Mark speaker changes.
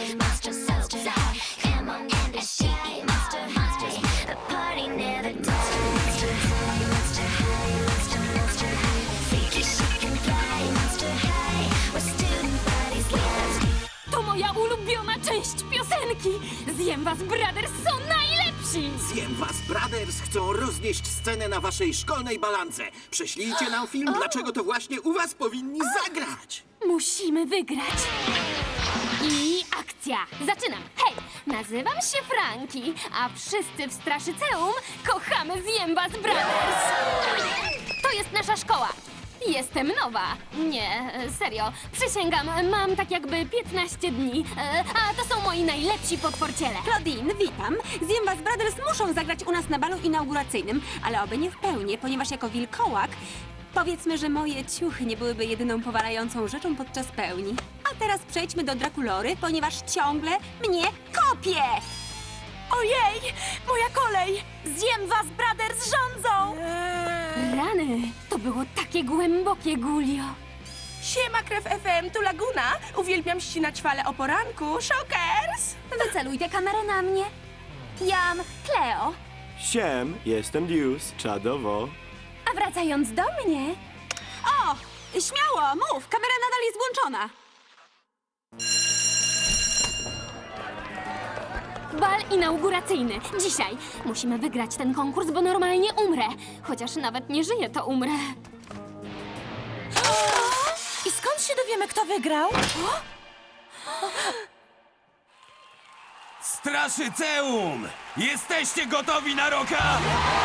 Speaker 1: To moja ulubiona część piosenki! Zjem was, Brothers są najlepsi!
Speaker 2: Zjem was, Brothers chcą roznieść scenę na waszej szkolnej balance. Prześlijcie nam film, dlaczego to właśnie u was powinni zagrać.
Speaker 1: Musimy wygrać! I akcja! Zaczynam! Hej! Nazywam się Franki, a wszyscy w Straszyceum kochamy Zjem was, Brothers! To jest nasza szkoła! Jestem nowa. Nie, serio. Przysięgam, mam tak jakby 15 dni. A to są moi najlepsi potworciele.
Speaker 3: Claudine, witam. Zjem was Brothers muszą zagrać u nas na balu inauguracyjnym, ale oby nie w pełni, ponieważ jako wilkołak powiedzmy, że moje ciuchy nie byłyby jedyną powalającą rzeczą podczas pełni. A teraz przejdźmy do Drakulory, ponieważ ciągle mnie kopie!
Speaker 1: Ojej! Moja kolej! Zjem was, Brothers rządzą! Rany! To było takie głębokie, Gulio.
Speaker 4: Siema, Krew FM, tu Laguna. Uwielbiam ścinać fale o poranku. Shockers!
Speaker 3: Wyceluj tę kamerę na mnie. Jam, Cleo.
Speaker 5: Siem, jestem Deuce, czadowo.
Speaker 3: A wracając do mnie... O! Śmiało, mów! Kamera nadal jest włączona.
Speaker 1: Bal inauguracyjny. Dzisiaj. Musimy wygrać ten konkurs, bo normalnie umrę. Chociaż nawet nie żyję, to umrę.
Speaker 4: I skąd się dowiemy, kto wygrał?
Speaker 6: Straszyceum! Jesteście gotowi na roka?